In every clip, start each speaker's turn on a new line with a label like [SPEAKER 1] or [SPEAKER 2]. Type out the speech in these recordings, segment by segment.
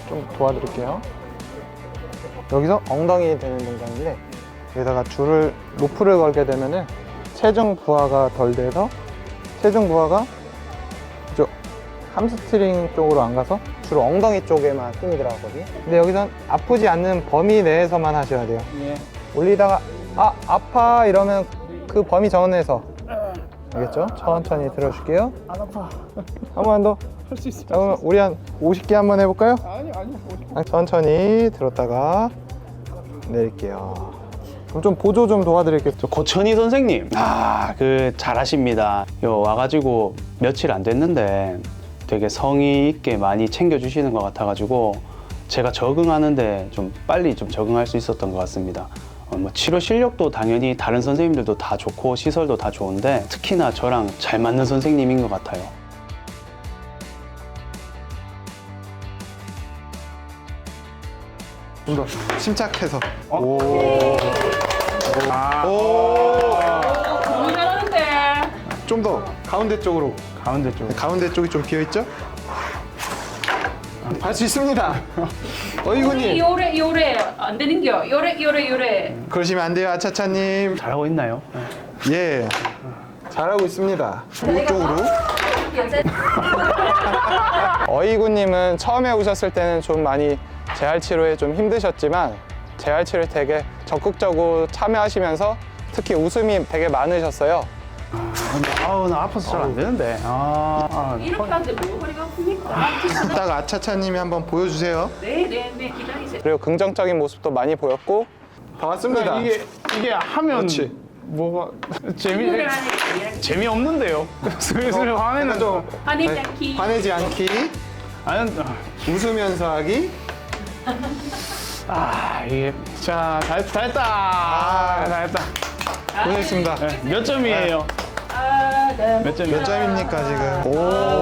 [SPEAKER 1] 좀 도와드릴게요. 여기서 엉덩이 되는 동작인데 여기다가 줄을 로프를 걸게 되면은 체중 부하가 덜 돼서 체중 부하가 이쪽 함스트링 쪽으로 안 가서 주로 엉덩이 쪽에만 힘이 들어가거든요. 근데 여기선 아프지 않는 범위 내에서만 하셔야 돼요.
[SPEAKER 2] 예.
[SPEAKER 1] 올리다가 아 아파 이러면 그 범위 전에서 알겠죠? 천천히 들어줄게요.
[SPEAKER 2] 안 아파.
[SPEAKER 1] 한 번 더.
[SPEAKER 2] 할 수 있어.
[SPEAKER 1] 자, 그러면 우리 한 50개 한번 해볼까요?
[SPEAKER 2] 아니.
[SPEAKER 1] 천천히 들었다가 내릴게요. 그럼 좀 보조 좀 도와드릴게요.
[SPEAKER 3] 저 고천희 선생님, 그 잘하십니다. 요 와가지고 며칠 안 됐는데 되게 성의 있게 많이 챙겨주시는 것 같아가지고 제가 적응하는데 좀 빨리 좀 적응할 수 있었던 것 같습니다. 뭐 치료 실력도 당연히 다른 선생님들도 다 좋고 시설도 다 좋은데 특히나 저랑 잘 맞는 선생님인 것 같아요.
[SPEAKER 1] 좀 더 침착해서.
[SPEAKER 2] 오.
[SPEAKER 4] 너무 잘하는데.
[SPEAKER 1] 좀 더 가운데 쪽으로.
[SPEAKER 2] 가운데 쪽.
[SPEAKER 1] 가운데 쪽이 좀 비어 있죠? 할 수 있습니다. 어이구님.
[SPEAKER 4] 요래 안 되는겨. 요래.
[SPEAKER 1] 그러시면 안 돼요, 아차차님.
[SPEAKER 3] 잘하고 있나요?
[SPEAKER 1] 예. 잘하고 있습니다. 이쪽으로. 어이구님은 처음에 오셨을 때는 좀 많이 재활 치료에 좀 힘드셨지만 재활 치료에 되게 적극적으로 참여하시면서 특히 웃음이 되게 많으셨어요.
[SPEAKER 3] 아우 나 아파서 잘 안 되는데.
[SPEAKER 4] 이렇게 하는데 뭐 허리가 아픕니까?
[SPEAKER 1] 이따가 아차차님이 한번 보여주세요.
[SPEAKER 4] 네, 기다리세요.
[SPEAKER 1] 그리고 긍정적인 모습도 많이 보였고 반갑습니다.
[SPEAKER 2] 이게 하면
[SPEAKER 1] 그렇지.
[SPEAKER 2] 뭐가
[SPEAKER 4] 요래 하니까
[SPEAKER 2] 재미없는데요. 슬슬 화내는 좀.
[SPEAKER 4] 화내지 않기.
[SPEAKER 1] 화내지 않기,
[SPEAKER 2] 아니,
[SPEAKER 1] 웃으면서 하기.
[SPEAKER 2] 이게 자 잘했다. 잘했다.
[SPEAKER 1] 고생했습니다.
[SPEAKER 2] 네, 몇 점이에요?
[SPEAKER 4] 네.
[SPEAKER 2] 몇 점이에요?
[SPEAKER 1] 몇 점입니까 지금? 오.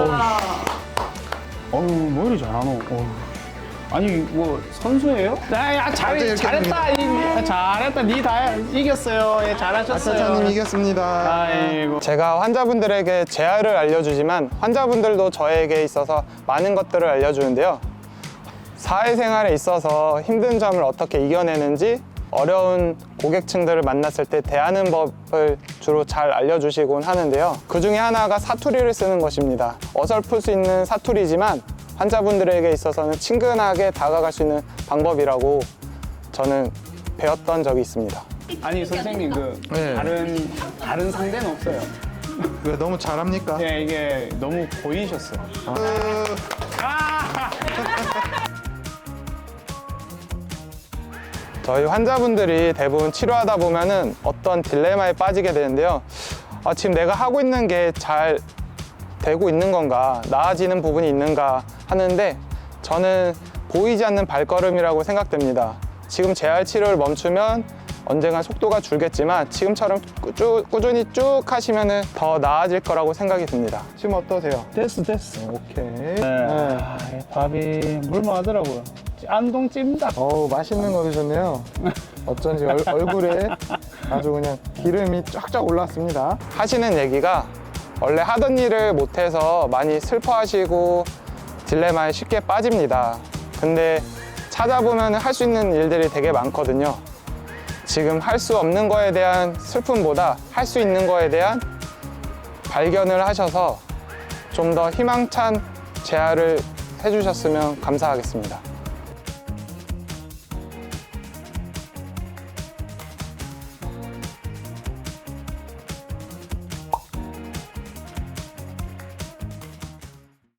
[SPEAKER 2] 어우 뭐 이리 잘하노. 아니 뭐 선수예요? 야 잘했다. 잘했다. 니 다 이겼어요. 예, 잘하셨어요.
[SPEAKER 1] 아차차님 이겼습니다.
[SPEAKER 2] 아이고.
[SPEAKER 1] 제가 환자분들에게 재활을 알려주지만 환자분들도 저에게 있어서 많은 것들을 알려주는데요. 사회생활에 있어서 힘든 점을 어떻게 이겨내는지 어려운 고객층들을 만났을 때 대하는 법을 주로 잘 알려주시곤 하는데요. 그 중에 하나가 사투리를 쓰는 것입니다. 어설플 수 있는 사투리지만 환자분들에게 있어서는 친근하게 다가갈 수 있는 방법이라고 저는 배웠던 적이 있습니다.
[SPEAKER 2] 아니 선생님 그
[SPEAKER 1] 네.
[SPEAKER 2] 다른 상대는 없어요.
[SPEAKER 1] 왜 너무 잘합니까?
[SPEAKER 2] 예, 이게 너무 보이셨어요.
[SPEAKER 1] 저희 환자분들이 대부분 치료하다 보면은 어떤 딜레마에 빠지게 되는데요. 지금 내가 하고 있는 게 잘 되고 있는 건가, 나아지는 부분이 있는가 하는데 저는 보이지 않는 발걸음이라고 생각됩니다. 지금 재활 치료를 멈추면 언젠가 속도가 줄겠지만 지금처럼 꾸준히 쭉 하시면은 더 나아질 거라고 생각이 듭니다. 지금 어떠세요?
[SPEAKER 2] 됐어.
[SPEAKER 1] 오케이.
[SPEAKER 2] 네. 밥이 물만하더라고요. 안동 찜닭.
[SPEAKER 1] 어우, 맛있는 거 드셨네요. 어쩐지 얼굴에 아주 그냥 기름이 쫙쫙 올랐습니다. 하시는 얘기가 원래 하던 일을 못해서 많이 슬퍼하시고 딜레마에 쉽게 빠집니다. 근데 찾아보면 할 수 있는 일들이 되게 많거든요. 지금 할 수 없는 거에 대한 슬픔보다 할 수 있는 거에 대한 발견을 하셔서 좀 더 희망찬 재활을 해주셨으면 감사하겠습니다.